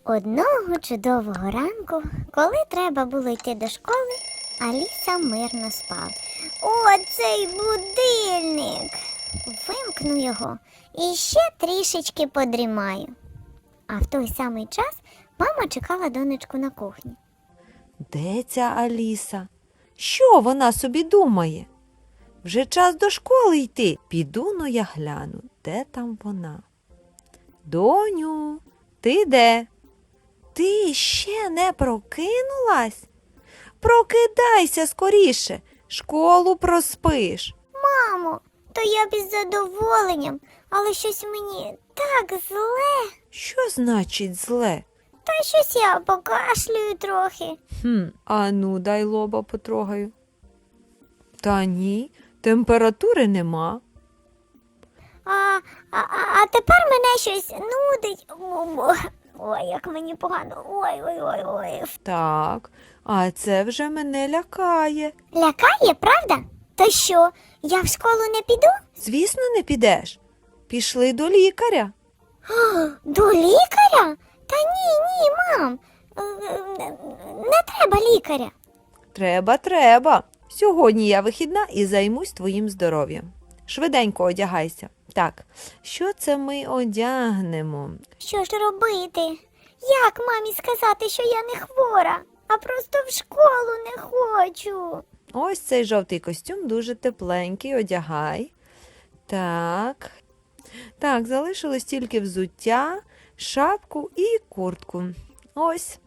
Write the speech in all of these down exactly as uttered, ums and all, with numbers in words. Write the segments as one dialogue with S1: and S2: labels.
S1: Одного чудового ранку, коли треба було йти до школи, Аліса мирно спала. О, цей будильник! Вимкну його і ще трішечки подрімаю. А в той самий час мама чекала донечку на кухні.
S2: Де ця Аліса? Що вона собі думає? Вже час до школи йти. Піду, но я гляну, де там вона. Доню, ти де? Ти ще не прокинулась? Прокидайся скоріше, школу проспиш.
S1: Мамо, то я б із задоволенням, але щось мені так зле.
S2: Що значить зле?
S1: Та щось я покашлюю трохи.
S2: Хм, а ну, дай лоба потрогаю. Та ні, температури нема.
S1: А, а, а тепер мене щось нудить. Ой, як мені погано. Ой, ой, ой, ой.
S2: Так, а це вже мене лякає.
S1: Лякає, правда? То що, я в школу не піду?
S2: Звісно, не підеш. Пішли до лікаря.
S1: О, до лікаря? Та ні, ні, мам. Е, е, Не треба лікаря.
S2: Треба, треба. Сьогодні я вихідна і займусь твоїм здоров'ям. Швиденько одягайся. Так, що це ми одягнемо?
S1: Що ж робити? Як мамі сказати, що я не хвора, а просто в школу не хочу?
S2: Ось цей жовтий костюм дуже тепленький, одягай. Так. Так, залишилось тільки взуття, шапку і куртку. Ось.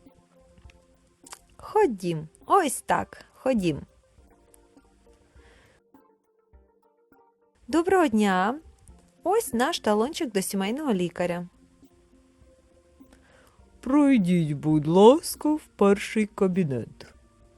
S2: Ходім. Ось так. Ходім. Доброго дня. Ось наш талончик до сімейного лікаря. Пройдіть, будь ласка, в перший кабінет.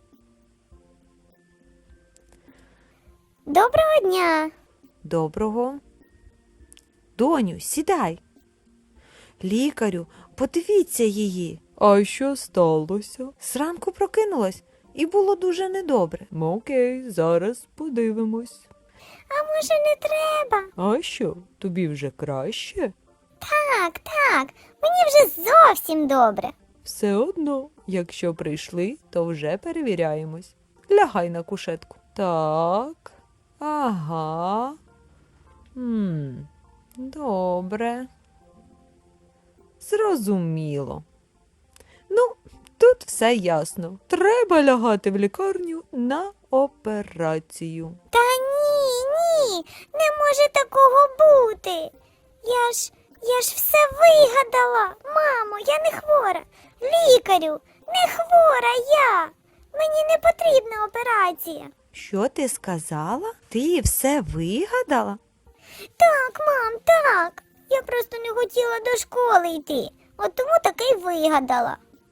S1: Доброго дня.
S2: Доброго. Доню, сідай. Лікарю, подивіться її. А що сталося? Зранку прокинулась і було дуже недобре. Окей, зараз подивимось.
S1: А може не треба?
S2: А що, тобі вже краще?
S1: Так, так, мені вже зовсім добре.
S2: Все одно, якщо прийшли, то вже перевіряємось. Лягай на кушетку. Так, ага. М, добре. Зрозуміло. Ну, тут все ясно. Треба лягати в лікарню на операцію.
S1: Та ні, ні, не може такого бути. Я ж, я ж все вигадала. Мамо, я не хвора. Лікарю, не хвора я. Мені не потрібна операція.
S2: Що ти сказала? Ти все вигадала?
S1: Так, мам, так. Я просто не хотіла до школи йти. От тому таки й вигадала.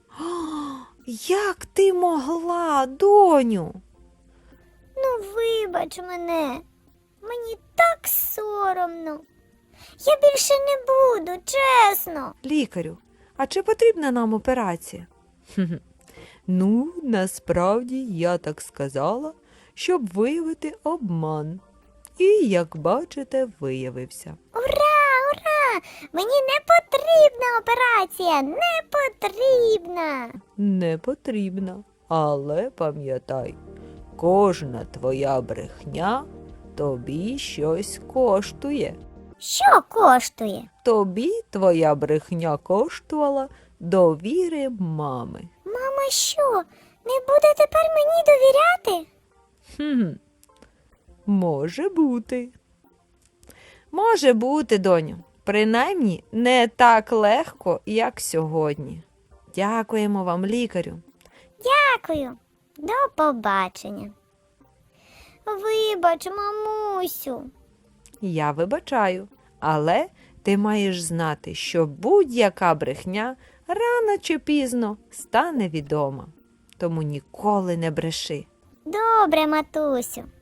S2: Як ти могла, доню?
S1: Ну, вибач мене. Мені так соромно. Я більше не буду, чесно.
S2: Лікарю, а чи потрібна нам операція? Хе-хе. Ну, насправді я так сказала, щоб виявити обман. І, як бачите, виявився.
S1: Ура, ура! Мені не потрібна операція, не потрібна.
S2: Не потрібна, але пам'ятай, кожна твоя брехня тобі щось коштує.
S1: Що коштує?
S2: Тобі твоя брехня коштувала довіри мами.
S1: Мама що, не буде тепер мені довіряти?
S2: Хм, може бути. Може бути, доню. Принаймні не так легко, як сьогодні. Дякуємо вам, лікарю.
S1: Дякую. До побачення. Вибач, мамусю.
S2: Я вибачаю, але ти маєш знати, що будь-яка брехня рано чи пізно стане відома. Тому ніколи не бреши.
S1: Добре, матусю.